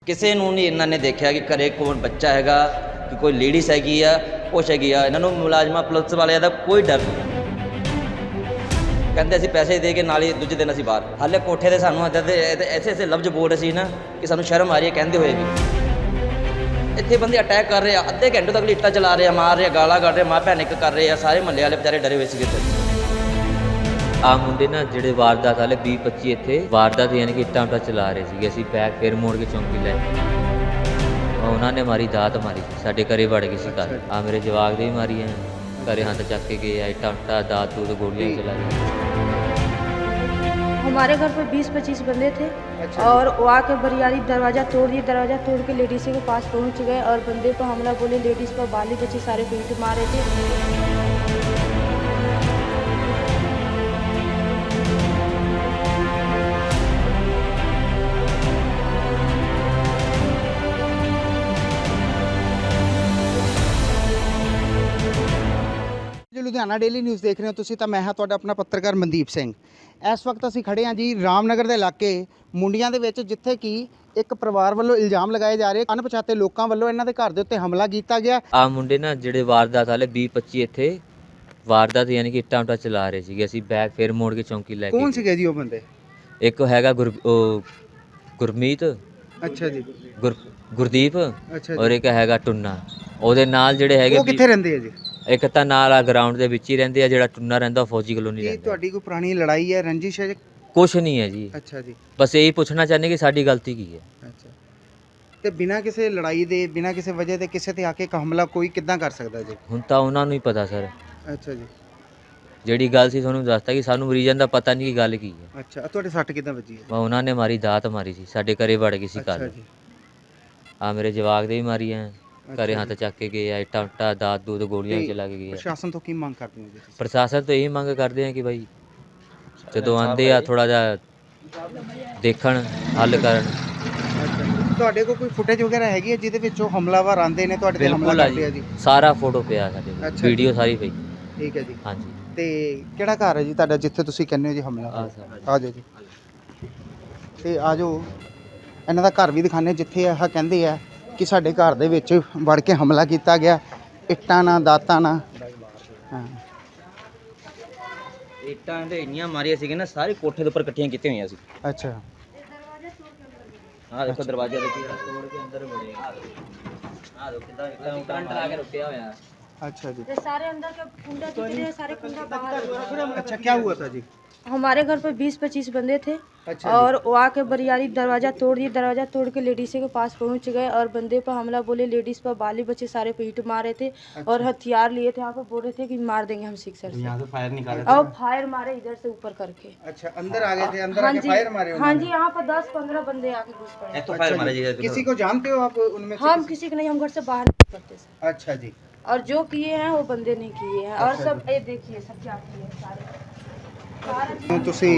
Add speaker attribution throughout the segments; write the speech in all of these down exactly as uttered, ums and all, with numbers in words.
Speaker 1: ਕਿਸੇ ਨੂੰ ਨਹੀਂ ਇਹਨਾਂ ਨੇ ਦੇਖਿਆ ਕਿ ਘਰੇ ਕੌਣ ਬੱਚਾ ਹੈਗਾ ਕਿ ਕੋਈ ਲੇਡੀਜ਼ ਹੈਗੀ ਆ ਕੁਛ ਹੈਗੀ ਆ। ਇਹਨਾਂ ਨੂੰ ਮੁਲਾਜ਼ਮਾਂ ਪੁਲਿਸ ਵਾਲਿਆਂ ਦਾ ਕੋਈ ਡਰ ਨਹੀਂ। ਕਹਿੰਦੇ ਅਸੀਂ ਪੈਸੇ ਦੇ ਕੇ ਨਾਲ ਹੀ ਦੂਜੇ ਦਿਨ ਅਸੀਂ ਬਾਹਰ। ਹਾਲੇ ਕੋਠੇ ਤੇ ਸਾਨੂੰ ਇੱਦਾਂ ਦੇ ਐਸੇ ਐਸੇ ਲਫ਼ਜ਼ ਬੋਲ ਰਹੇ ਸੀ ਨਾ ਕਿ ਸਾਨੂੰ ਸ਼ਰਮ ਆ ਰਹੀ ਹੈ ਕਹਿੰਦੇ ਹੋਏ ਵੀ। ਇੱਥੇ ਬੰਦੇ ਅਟੈਕ ਕਰ ਰਹੇ ਆ, ਅੱਧੇ ਘੰਟੇ ਤੱਕ ਇੱਟਾਂ ਚਲਾ ਰਹੇ ਆ, ਮਾਰ ਰਹੇ ਆ, ਗਾਲਾਂ ਕੱਢ ਰਹੇ, ਮਾਂ ਭੈਣ ਇੱਕ ਕਰ ਰਹੇ ਆ। ਸਾਰੇ ਮਹੱਲੇ ਵਾਲੇ ਵਿਚਾਰੇ ਡਰੇ ਹੋਏ ਸੀਗੇ।
Speaker 2: ਆ ਮੁੰਡੇ ਨਾ ਜਿਹੜੇ ਵਾਰਦਾਤ ਵਾਲੇ ਵੀਹ ਪੱਚੀ ਇੱਥੇ ਵਾਰਦਾਤ ਯਾਨੀ ਕਿ ਇੱਟਾਂ ਉੱਟਾਂ ਚਲਾ ਰਹੇ ਸੀਗੇ। ਅਸੀਂ ਬੈਗ ਫਿਰ ਮੋੜ ਕੇ ਚੌਂਕੀ ਲੈ ਉਹਨਾਂ ਨੇ ਮਾਰੀ ਦਾਤ ਮਾਰੀ ਸੀ, ਸਾਡੇ ਘਰੇ ਵੜ ਗਈ ਸੀ ਘਰ। ਆ ਮੇਰੇ ਜਵਾਕ ਦੇ ਵੀ ਮਾਰੀ ਹੈ, ਘਰੇ ਹੱਥ ਚੱਕ ਕੇ गए, ਇੱਟਾਂ ਉੱਟਾਂ दांत दूध गोलियां चला दी।
Speaker 3: हमारे घर पर बीस पच्चीस बंदे थे। अच्छा। और वो आके बरियारी दरवाज़ा तोड़ दिए, दरवाज़ा तोड़ के लेडीज़ के पास पहुंच गए और बंदे पर हमला बोले। लेडीज़ पर बाली बच्चे सारे पीट मारे थे।
Speaker 4: ਲੁਧਿਆਣਾ ਡੇਲੀ ਨਿਊਜ਼ ਦੇਖ ਰਹੇ ਹੋ ਤੁਸੀਂ ਤਾਂ ਮੈਂ ਹਾਂ ਤੁਹਾਡਾ ਆਪਣਾ ਪੱਤਰਕਾਰ ਮਨਦੀਪ ਸਿੰਘ। ਇਸ ਵਕਤ ਅਸੀਂ ਖੜੇ ਹਾਂ ਜੀ ਰਾਮਨਗਰ ਦੇ ਇਲਾਕੇ ਮੁੰਡੀਆਂ ਦੇ ਵਿੱਚ, ਜਿੱਥੇ ਕਿ ਇੱਕ ਪਰਿਵਾਰ ਵੱਲੋਂ ਇਲਜ਼ਾਮ ਲਗਾਏ ਜਾ ਰਹੇ ਅਣਪਛਾਤੇ ਲੋਕਾਂ ਵੱਲੋਂ ਇਹਨਾਂ ਦੇ ਘਰ ਦੇ ਉੱਤੇ ਹਮਲਾ ਕੀਤਾ ਗਿਆ।
Speaker 2: ਆ ਮੁੰਡੇ ਨਾ ਜਿਹੜੇ ਵਾਰਦਾਤ ਵਾਲੇ ਵੀਹ ਪੱਚੀ ਇੱਥੇ ਵਾਰਦਾਤ ਯਾਨੀ ਕਿ ਇੱਟਾਂ ਉੱਟਾਂ ਚਲਾ ਰਹੇ ਸੀਗੇ। ਅਸੀਂ ਬੈਗ ਫਿਰ ਮੋੜ ਕੇ ਚੌਂਕੀ ਲੈ ਕੇ।
Speaker 4: ਕੌਣ ਸੀਗੇ ਜੀ ਉਹ ਬੰਦੇ?
Speaker 2: ਇੱਕ ਹੈਗਾ ਗੁਰ ਉਹ ਗੁਰਮੀਤ।
Speaker 4: ਅੱਛਾ ਜੀ।
Speaker 2: ਗੁਰ ਗੁਰਦੀਪ।
Speaker 4: ਅੱਛਾ
Speaker 2: ਔਰ ਇੱਕ ਹੈਗਾ ਟੁੰਨਾ। ਉਹਦੇ ਨਾਲ ਜਿਹੜੇ ਹੈਗੇ
Speaker 4: ਉਹ ਕਿੱਥੇ ਰਹਿੰਦੇ ਆ ਜੀ?
Speaker 2: ਇੱਕ ਤਾਂ ਨਾਲ ਆ ਗਰਾਊਂਡ ਦੇ ਵਿੱਚ ਹੀ ਰਹਿੰਦੇ ਆ, ਜਿਹੜਾ ਟੁੰਨਾ ਰਹਿੰਦਾ ਉਹ ਫੌਜੀ ਕਲੋਨੀ
Speaker 4: ਕੀ
Speaker 2: ਰਹਿੰਦਾ।
Speaker 4: ਤੁਹਾਡੀ ਕੋਈ ਪੁਰਾਣੀ ਲੜਾਈ ਹੈ, ਰੰਜਿਸ਼ ਹੈ?
Speaker 2: ਕੁਛ ਨਹੀਂ ਹੈ ਜੀ।
Speaker 4: ਅੱਛਾ ਜੀ।
Speaker 2: ਬਸ ਇਹੀ ਪੁੱਛਣਾ ਚਾਹੁੰਦੇ ਕਿ ਸਾਡੀ ਗਲਤੀ ਕੀ ਹੈ।
Speaker 4: ਅੱਛਾ, ਤੇ ਬਿਨਾਂ ਕਿਸੇ ਲੜਾਈ ਦੇ, ਬਿਨਾਂ ਕਿਸੇ ਵਜ੍ਹਾ ਤੇ ਕਿਸੇ ਤੇ ਆ ਕੇ ਹਮਲਾ ਕੋਈ ਕਿੱਦਾਂ ਕਰ ਸਕਦਾ ਜੀ?
Speaker 2: ਹੁਣ ਤਾਂ ਉਹਨਾਂ ਨੂੰ ਹੀ ਪਤਾ ਸਰ।
Speaker 4: ਅੱਛਾ ਜੀ।
Speaker 2: ਜਿਹੜੀ ਗੱਲ ਸੀ ਤੁਹਾਨੂੰ ਦੱਸਤਾ ਕਿ ਸਾਨੂੰ ਮਰੀਜ਼ਾਂ ਦਾ ਪਤਾ ਨਹੀਂ ਕਿ ਗੱਲ ਕੀ ਹੈ।
Speaker 4: ਅੱਛਾ, ਤੁਹਾਡੇ ਸੱਟ ਕਿੱਦਾਂ ਵੱਜੀ ਹੈ?
Speaker 2: ਵਾ ਉਹਨਾਂ ਨੇ ਮਾਰੀ ਦਾਤ ਮਾਰੀ ਸੀ, ਸਾਡੇ ਘਰੇ ਵੜ ਗਈ ਸੀ
Speaker 4: ਅੱਛਾ
Speaker 2: ਕੱਲ।
Speaker 4: ਜੀ।
Speaker 2: ਆ ਮੇਰੇ ਜਵਾਕ ਦੇ ਵੀ ਮਾਰੀ ਹੈ, ਘਰੇ ਹੱਥ ਚੱਕ ਕੇ ਗਏ, ਇੱਟਾਂ ਉੱਟਾਂ दांत दूध गोलियां
Speaker 4: ਤੇ
Speaker 2: ਚਲਾ ਕੇ ਗਏ।
Speaker 4: ਪ੍ਰਸ਼ਾਸਨ ਤੋਂ ਕੀ ਮੰਗ ਕਰਦੇ ਹੋ ਜੀ ਤੁਸੀਂ?
Speaker 2: ਪ੍ਰਸ਼ਾਸਨ ਤੋਂ ਇਹੀ ਮੰਗ ਕਰਦੇ ਆ ਕਿ ਭਾਈ ਜਦੋਂ ਆਉਂਦੇ ਆ ਥੋੜਾ ਜਿਹਾ ਦੇਖਣ, ਹੱਲ ਕਰਨ।
Speaker 4: ਤੁਹਾਡੇ ਕੋਲ ਕੋਈ ਫੁਟੇਜ ਵਗੈਰਾ ਹੈਗੀ ਹੈ ਜਿਹਦੇ ਵਿੱਚ ਉਹ ਹਮਲਾਵਰ ਆਉਂਦੇ ਨੇ ਤੁਹਾਡੇ ਤੇ ਹਮਲਾ
Speaker 2: ਬਿਲਕੁਲ ਆ
Speaker 4: ਕਰਦੇ ਆ ਜੀ?
Speaker 2: ਜੀ, ਸਾਰਾ ਫੋਟੋ ਪਿਆ ਸਾਡੇ ਕੋਲ,
Speaker 4: ਅੱਛਾ
Speaker 2: ਵੀਡੀਓ ਸਾਰੀ ਪਈ।
Speaker 4: ਠੀਕ ਹੈ ਜੀ।
Speaker 2: ਹਾਂਜੀ।
Speaker 4: ਤੇ ਕਿਹੜਾ ਘਰ ਹੈ ਜੀ ਤੁਹਾਡਾ ਜਿੱਥੇ ਤੁਸੀਂ ਕਹਿੰਦੇ ਹੋ ਜੀ ਹਮਲਾ
Speaker 2: ਆ
Speaker 4: ਹੋਇਆ?
Speaker 2: ਸਰ
Speaker 4: ਆ ਜਾਓ ਜੀ, ਤੇ ਆ ਜਾਓ ਇਹਨਾਂ ਦਾ ਘਰ ਵੀ ਦਿਖਾਣੇ, ਜਿੱਥੇ ਆਹ ਕਹਿੰਦੇ ਆ ਕਿ ਸਾਡੇ ਘਰ ਦੇ ਵਿੱਚ ਵੜ ਕੇ ਹਮਲਾ ਕੀਤਾ ਗਿਆ, ਇੱਟਾਂ ਨਾਲ, ਦਾਤਾਂ ਨਾਲ। ਹਾਂ,
Speaker 1: ਇੱਟਾਂ ਤੇ ਇੰਨੀਆਂ ਮਾਰੀਆਂ ਸੀਗੀਆਂ ਨਾ, ਸਾਰੇ ਕੋਠੇ ਦੇ ਉੱਪਰ ਇਕੱਠੀਆਂ ਕੀਤੀਆਂ ਹੋਈਆਂ ਸੀ।
Speaker 4: ਅੱਛਾ।
Speaker 1: ਆਹ ਦੇਖੋ ਦਰਵਾਜ਼ਾ ਦੇਖੀ ਤੋੜ ਕੇ ਅੰਦਰ ਵੜੇ। ਆਹ ਦੇਖੋ ਕਿੱਦਾਂ ਇੱਟਾਂ ਕਰੰਟ ਲਾ ਕੇ ਰੁਕਿਆ ਹੋਇਆ।
Speaker 4: अच्छा जी।
Speaker 3: ये सारे अंदर के कुंडा जितने हैं, सारे कुंडा बाहर।
Speaker 4: अच्छा, क्या हुआ था जी?
Speaker 3: हमारे घर पर बीस पच्चीस बंदे थे।
Speaker 4: अच्छा।
Speaker 3: और वो आके बरियारी दरवाज़ा तोड़ दिए, दरवाज़ा तोड़ के लेडीज़ के पास पहुंच गए और बंदे पर हमला बोले। लेडीज़ पर बाली बच्चे सारे पीट मारे थे। अच्छा। और हथियार लिए थे, यहाँ पर बोल रहे थे कि मार देंगे हम सिक्सर से।
Speaker 4: यहाँ से फायर निकाले
Speaker 3: और फायर मारे इधर से ऊपर करके।
Speaker 4: अच्छा, अंदर आ गए थे? अंदर
Speaker 3: हाँ
Speaker 4: आके
Speaker 3: जी,
Speaker 4: फायर मारे?
Speaker 3: हाँ जी, यहाँ पर दस पंद्रह बंदे आके घुस पड़े।
Speaker 1: तो फायर मारे जी।
Speaker 4: किसी को जानते हो आप उनमें से?
Speaker 3: हम किसी को नहीं, हम घर से बाहर नहीं करते सर।
Speaker 4: अच्छा जी।
Speaker 3: और जो किए हैं वो बंदे नहीं किए हैं। और सब ये देखिए सब क्या किए हैं सारे।
Speaker 4: ਤੁਸੀਂ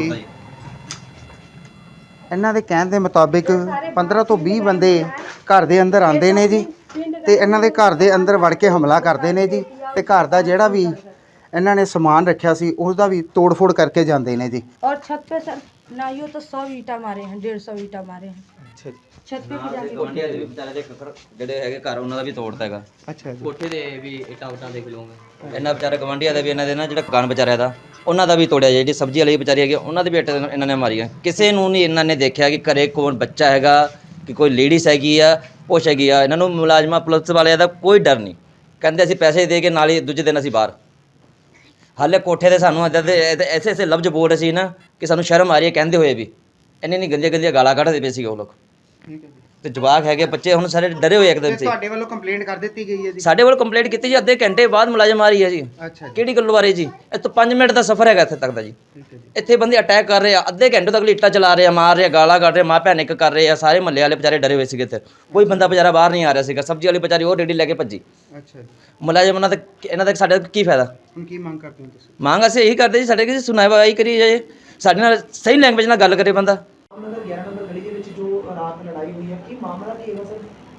Speaker 4: ਇਹਨਾਂ ਦੇ ਕਹਿਣ ਦੇ ਮੁਤਾਬਿਕ ਪੰਦਰਾਂ ਤੋਂ ਵੀਹ ਬੰਦੇ ਘਰ ਦੇ ਅੰਦਰ ਆਉਂਦੇ ਨੇ ਜੀ, ਤੇ ਇਹਨਾਂ ਦੇ ਘਰ ਦੇ ਅੰਦਰ ਵੜ ਕੇ ਹਮਲਾ ਕਰਦੇ ਨੇ ਜੀ, ਤੇ ਘਰ ਦਾ ਜਿਹੜਾ ਵੀ ਇਹਨਾਂ ਨੇ ਸਮਾਨ ਰੱਖਿਆ ਸੀ ਉਹਦਾ ਵੀ ਤੋੜ-ਫੋੜ ਕਰਕੇ ਜਾਂਦੇ ਨੇ ਜੀ।
Speaker 3: और छत पे सर ना यूँ तो सौ ईटा मारे हैं, डेढ़ सौ ईटा मारे हैं।
Speaker 4: ਅੱਛਾ ਜੀ।
Speaker 3: छत पे भी जाके
Speaker 1: ਗਵਾਂਢੀਆਂ ਦੇ ਵੀ ਵਿਚਾਰੇ ਦੇ ਜਿਹੜੇ ਹੈਗੇ ਘਰ ਉਹਨਾਂ ਦਾ ਵੀ ਤੋੜਤਾ ਹੈਗਾ।
Speaker 4: ਅੱਛਾ ਜੀ।
Speaker 1: ਕੋਠੇ ਦੇ ਵੀ ਇੱਟਾਂ ਉੱਟਾਂ ਦੇਖ ਲਓਗੇ। ਇਹਨਾਂ ਵਿਚਾਰੇ ਗਵਾਂਢੀਆਂ ਦੇ ਵੀ, ਇਹਨਾਂ ਦੇ ਨਾ ਜਿਹੜਾ ਦੁਕਾਨ ਵਿਚਾਰਿਆਂ ਦਾ ਉਹਨਾਂ ਦਾ ਵੀ ਤੋੜਿਆ। ਜਿਹੜੀ ਸਬਜ਼ੀ ਵਾਲੀ ਵਿਚਾਰੀ ਹੈਗੀ ਉਹਨਾਂ ਦੇ ਵੀ ਇੱਟਾਂ ਇਹਨਾਂ ਨੇ ਮਾਰੀਆਂ। ਕਿਸੇ ਨੂੰ ਨਹੀਂ ਇਹਨਾਂ ਨੇ ਦੇਖਿਆ ਕਿ ਘਰੇ ਕੌਣ ਬੱਚਾ ਹੈਗਾ ਕਿ ਕੋਈ ਲੇਡੀਜ਼ ਹੈਗੀ ਆ ਕੁਛ ਹੈਗੀ ਆ। ਇਹਨਾਂ ਨੂੰ ਮੁਲਾਜ਼ਮਾਂ ਪੁਲਿਸ ਵਾਲਿਆਂ ਦਾ ਕੋਈ ਡਰ ਨਹੀਂ। ਕਹਿੰਦੇ ਅਸੀਂ ਪੈਸੇ ਦੇ ਕੇ ਨਾਲ ਹੀ ਦੂਜੇ ਦਿਨ ਅਸੀਂ ਬਾਹਰ। ਹਾਲੇ ਕੋਠੇ ਤੇ ਸਾਨੂੰ ਇੱਦਾਂ ਦੇ ਐਸੇ ਐਸੇ ਲਫ਼ਜ਼ ਬੋਲ ਰਹੇ ਸੀ ਨਾ ਕਿ ਸਾਨੂੰ ਸ਼ਰਮ ਆ ਰਹੀ ਹੈ ਕਹਿੰਦੇ ਹੋਏ ਵੀ। ਇੰਨੀ ਇੰਨੀ ਗੰਦੀਆਂ ਗੰਦੀਆਂ ਗਾਲਾਂ ਕੱਢਦੇ ਪਏ ਸੀ ਉਹ ਲੋਕ।
Speaker 4: ਠੀਕ ਹੈ ਜੀ।
Speaker 1: ਤੇ ਜਵਾਕ ਹੈਗੇ ਬੱਚੇ ਹੁਣ ਸਾਰੇ ਡਰੇ ਹੋਏ ਇੱਕਦਮ ਸੀ।
Speaker 4: ਤੁਹਾਡੇ ਵੱਲੋਂ ਕੰਪਲੇਂਟ ਕਰ ਦਿੱਤੀ ਗਈ ਹੈ ਜੀ?
Speaker 1: ਸਾਡੇ ਵੱਲ ਕੰਪਲੇਂਟ ਕੀਤੀ ਜੀ, ਅੱਧੇ ਘੰਟੇ ਬਾਅਦ ਮੁਲਾਜ਼ਮ ਆ ਰਹੀ ਹੈ ਜੀ।
Speaker 4: ਅੱਛਾ ਜੀ।
Speaker 1: ਕਿਹੜੀ ਗੱਲ ਬਾਰੇ ਜੀ? ਇਹ ਤੋਂ ਪੰਜ ਮਿੰਟ ਦਾ ਸਫ਼ਰ ਹੈਗਾ ਇੱਥੇ ਤੱਕ ਦਾ ਜੀ।
Speaker 4: ਠੀਕ ਹੈ ਜੀ।
Speaker 1: ਇੱਥੇ ਬੰਦੇ ਅਟੈਕ ਕਰ ਰਹੇ ਆ, ਅੱਧੇ ਘੰਟੇ ਤੱਕ ਇੱਟਾਂ ਚਲਾ ਰਹੇ ਆ, ਮਾਰ ਰਹੇ ਆ, ਗਾਲਾਂ ਕੱਢ ਰਹੇ, ਮਾਂ ਭੈਣ ਇੱਕ ਕਰ ਰਹੇ ਆ। ਸਾਰੇ ਮਹੱਲੇ ਵਾਲੇ ਵਿਚਾਰੇ ਡਰੇ ਹੋਏ ਸੀਗੇ। ਇੱਥੇ ਕੋਈ ਬੰਦਾ ਵਿਚਾਰਾ ਬਾਹਰ ਨਹੀਂ ਆ ਰਿਹਾ ਸੀਗਾ। ਸਬਜ਼ੀ ਵਾਲੀ ਵਿਚਾਰੀ ਉਹ ਰੇੜੀ ਲੈ ਕੇ ਭੱਜੀ।
Speaker 4: ਅੱਛਾ ਜੀ।
Speaker 1: ਮੁਲਾਜ਼ਮ ਉਹਨਾਂ ਦਾ ਇਹਨਾਂ ਦਾ ਸਾਡੇ ਕੀ ਫਾਇਦਾ?
Speaker 4: ਹੁਣ ਕੀ ਮੰਗ ਕਰਦੇ ਹੋ ਤੁਸੀਂ?
Speaker 1: ਮੰਗ ਅਸੀਂ ਇਹੀ ਕਰਦੇ ਜੀ, ਸਾਡੇ ਕਿਸੇ ਸੁਣਵਾਈ ਕਰੀ ਜਾਏ, ਸਾਡੇ ਨਾਲ ਸਹੀ ਲੈਂਗੁਏਜ ਨਾਲ ਗੱਲ ਕਰੇ ਬੰਦਾ।
Speaker 5: ਨੰਬਰ ਗਿਆਰਾਂ ਨੰਬਰ ਗਲੀ ਦੇ ਵਿੱਚ ਜੋ ਰਾਤ ਲੜਾਈ ਹੋਈ ਹੈ, ਕੀ ਮਾਮਲਾ ਕੀ ਹੈਗਾ ਸਰ?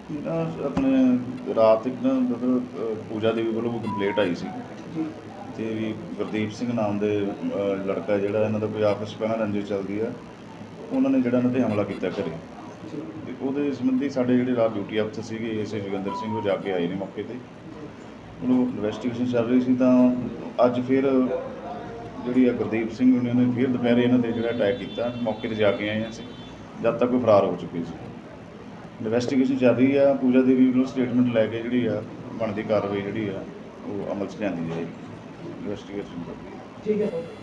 Speaker 6: ਆਪਣੇ ਰਾਤ ਇੱਕ ਨਾ ਮਤਲਬ ਪੂਜਾ ਦੇਵੀ ਵੱਲੋਂ ਕੰਪਲੇਂਟ ਆਈ ਸੀ
Speaker 5: ਜੀ।
Speaker 6: ਤੇ ਵੀ ਗੁਰਦੀਪ ਸਿੰਘ ਨਾਮ ਦੇ ਲੜਕਾ ਜਿਹੜਾ ਇਹਨਾਂ ਦਾ ਕੋਈ ਆਪਸ ਪਹਿਲਾਂ ਰੰਜਿਸ਼ ਚੱਲਦੀ ਆ, ਉਹਨਾਂ ਨੇ ਜਿਹੜਾ ਇਹਨਾਂ ਤੇ ਹਮਲਾ ਕੀਤਾ ਘਰੇ।
Speaker 5: ਸੀ?
Speaker 6: ਤੇ ਉਹਦੇ ਸੰਬੰਧੀ ਸਾਡੇ ਜਿਹੜੇ ਰਾਤ ਡਿਊਟੀ ਅਫਸਰ ਸੀਗੇ ਐਸ ਜੋਗਿੰਦਰ ਸਿੰਘ ਉਹ ਜਾ ਕੇ ਆਏ ਨੇ ਮੌਕੇ ਤੇ। ਉਹਨੂੰ ਇਨਵੈਸਟੀਗੇਸ਼ਨ ਚੱਲ ਰਹੀ ਸੀ ਤਾਂ ਅੱਜ ਫਿਰ ਜਿਹੜੀ ਆ ਗੁਰਦੀਪ ਸਿੰਘ ਉਹਨਾਂ ਨੇ ਫਿਰ ਦੁਪਹਿਰੇ ਇਹਨਾਂ ਤੇ ਜਿਹੜਾ ਅਟੈਕ ਕੀਤਾ, ਮੌਕੇ ਤੇ ਜਾ ਕੇ ਆਏ ਹਾਂ ਅਸੀਂ, ਜਦ ਤੱਕ ਉਹ ਫਰਾਰ ਹੋ ਚੁੱਕੇ ਸੀ। ਇਨਵੈਸਟੀਗੇਸ਼ਨ ਚੱਲ ਰਹੀ ਆ, ਪੂਜਾ ਦੇਵੀ ਵੱਲੋਂ ਸਟੇਟਮੈਂਟ ਲੈ ਕੇ ਜਿਹੜੀ ਆ ਬਣਦੀ ਕਾਰਵਾਈ ਜਿਹੜੀ ਆ ਉਹ ਅਮਲ 'ਚ ਲਿਆਂਦੀ ਜਾਏਗੀ। ਇਨਵੈਸਟੀਗੇਸ਼ਨ ਚੱਲ ਰਹੀ ਹੈ।
Speaker 5: ਠੀਕ ਹੈ ਸਰ।